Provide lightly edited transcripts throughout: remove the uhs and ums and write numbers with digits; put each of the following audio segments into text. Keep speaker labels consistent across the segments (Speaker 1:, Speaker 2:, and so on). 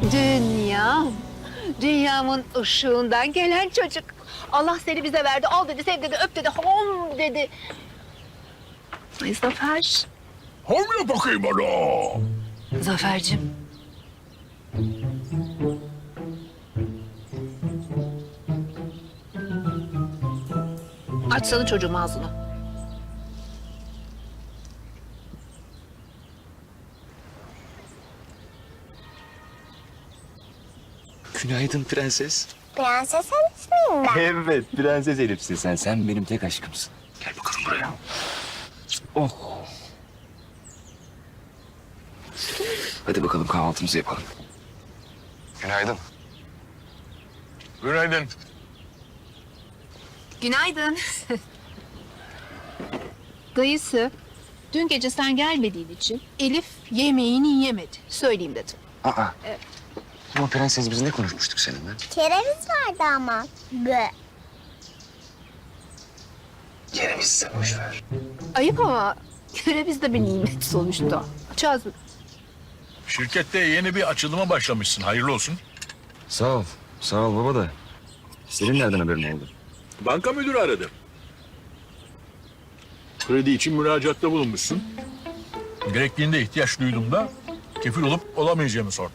Speaker 1: Dünyam, dünyamın ışığından gelen çocuk. Allah seni bize verdi, al dedi, sev dedi, öp dedi, hom dedi. Ay Zafer.
Speaker 2: Hamle bakayım bana.
Speaker 1: Zafer'cim. Açsana çocuğum ağzını.
Speaker 3: Günaydın prenses.
Speaker 4: Prenses Elif miyim ben?
Speaker 3: Evet, prenses Elif'sin sen. Sen benim tek aşkımsın. Gel bakalım buraya. Oh. Hadi bakalım kahvaltımızı yapalım. Günaydın.
Speaker 2: Günaydın.
Speaker 1: Günaydın. Dayısı, dün gece sen gelmediğin için Elif yemeğini yemedi. Söyleyeyim dedim.
Speaker 3: Aa. Ama prenses biz ne konuşmuştuk seninle?
Speaker 4: Kereviz vardı ama. Bö.
Speaker 3: Kereviz sen boş ver.
Speaker 1: Ayıp ama kereviz de bir nimet sonuçta. Açacağız mı?
Speaker 2: Şirkette yeni bir açılıma başlamışsın. Hayırlı olsun.
Speaker 3: Sağ ol. Sağ ol baba da. Senin nereden haberin oldu?
Speaker 2: Banka müdürü aradı. Kredi için müracaatta bulunmuşsun. Gerektiğinde ihtiyaç duyduğumda kefil olup olamayacağımı sordu.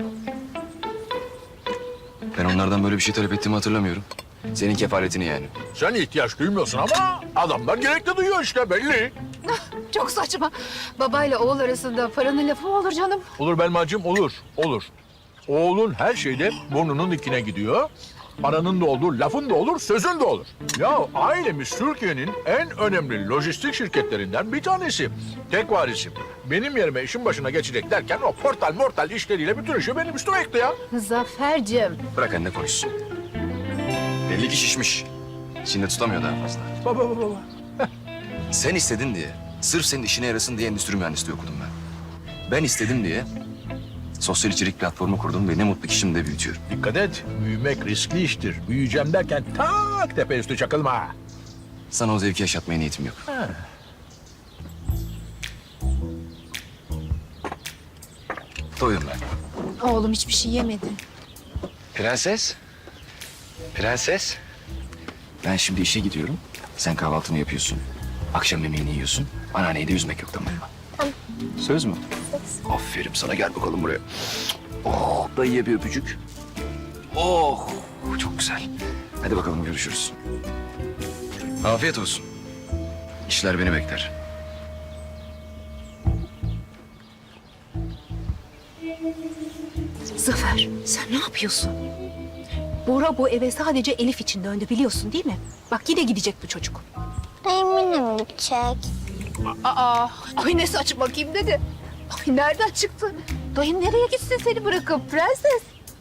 Speaker 3: Ben onlardan böyle bir şey talep ettiğimi hatırlamıyorum. Senin kefaletini yani.
Speaker 2: Sen ihtiyaç duymuyorsun ama adamlar gerekli duyuyor işte belli.
Speaker 1: Çok saçma. Babayla oğul arasında paranın lafı mı olur canım?
Speaker 2: Olur Belmacığım olur, olur. Oğlun her şeyde burnunun dikine gidiyor. Paranın da olur, lafın da olur, sözün de olur. Ya ailemiz Türkiye'nin en önemli lojistik şirketlerinden bir tanesi. Tek varisim. Benim yerime işin başına geçecek derken o portal mortal işleriyle bütün işi benim üstüme yıktı ya.
Speaker 1: Zafer'cim.
Speaker 3: Bırak anne konuşsun. Belli ki şişmiş. İçinde tutamıyor daha fazla.
Speaker 2: Baba.
Speaker 3: Sen istedin diye, sırf senin işine yarasın diye endüstri mühendisliği okudum ben. Ben istedim diye sosyal içerik platformu kurdum ve ne mutlu ki şimdi de büyütüyorum.
Speaker 2: Dikkat et, büyümek riskli iştir. Büyüyeceğim derken tak tepe üstü çakılma.
Speaker 3: Sana o zevki yaşatmaya niyetim yok. Doydum ben.
Speaker 1: Oğlum hiçbir şey yemedi.
Speaker 3: Prenses. Prenses. Ben şimdi işe gidiyorum. Sen kahvaltını yapıyorsun. Akşam yemeğini yiyorsun. Anneanneyi de üzmek yok, tamam mı? Söz mü? Aferin sana, gel bakalım buraya. Oh, dayıya bir öpücük. Oh, çok güzel. Hadi bakalım görüşürüz. Afiyet olsun. İşler beni bekler.
Speaker 1: Zafer, sen ne yapıyorsun? Bora bu eve sadece Elif için döndü biliyorsun değil mi? Bak yine gidecek bu çocuk.
Speaker 4: Eminim gidecek.
Speaker 1: Aa, ay ne saç bakayım dedi. Ay nereden çıktı? Dayın nereye gitsin seni bırakıp prenses?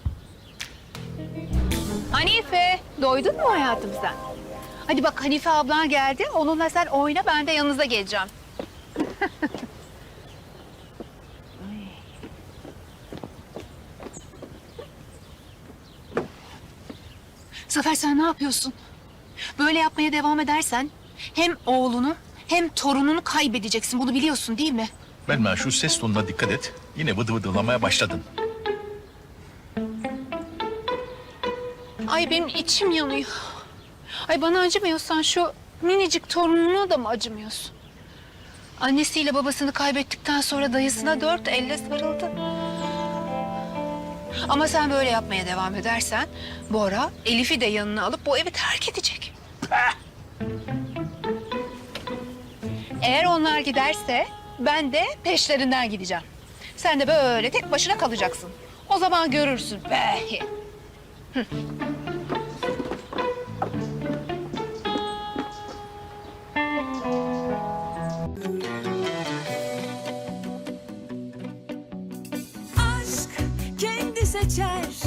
Speaker 1: Hanife, doydun mu hayatım sen? Hadi bak Hanife ablan geldi. Onunla sen oyna, ben de yanınıza geleceğim. Zafer sen ne yapıyorsun? Böyle yapmaya devam edersen hem oğlunu hem torununu kaybedeceksin. Bunu biliyorsun değil mi?
Speaker 2: Belma şu ses tonuna dikkat et. Yine vıdı vıdılamaya başladın.
Speaker 1: Ay benim içim yanıyor. Ay bana acımıyorsan şu minicik torununa da mı acımıyorsun? Annesiyle babasını kaybettikten sonra dayısına 4 elle sarıldı. Ama sen böyle yapmaya devam edersen Bora Elif'i de yanına alıp bu evi terk edecek. Eğer onlar giderse ben de peşlerinden gideceğim. Sen de böyle tek başına kalacaksın. O zaman görürsün. Be.
Speaker 5: Aşk kendi seçer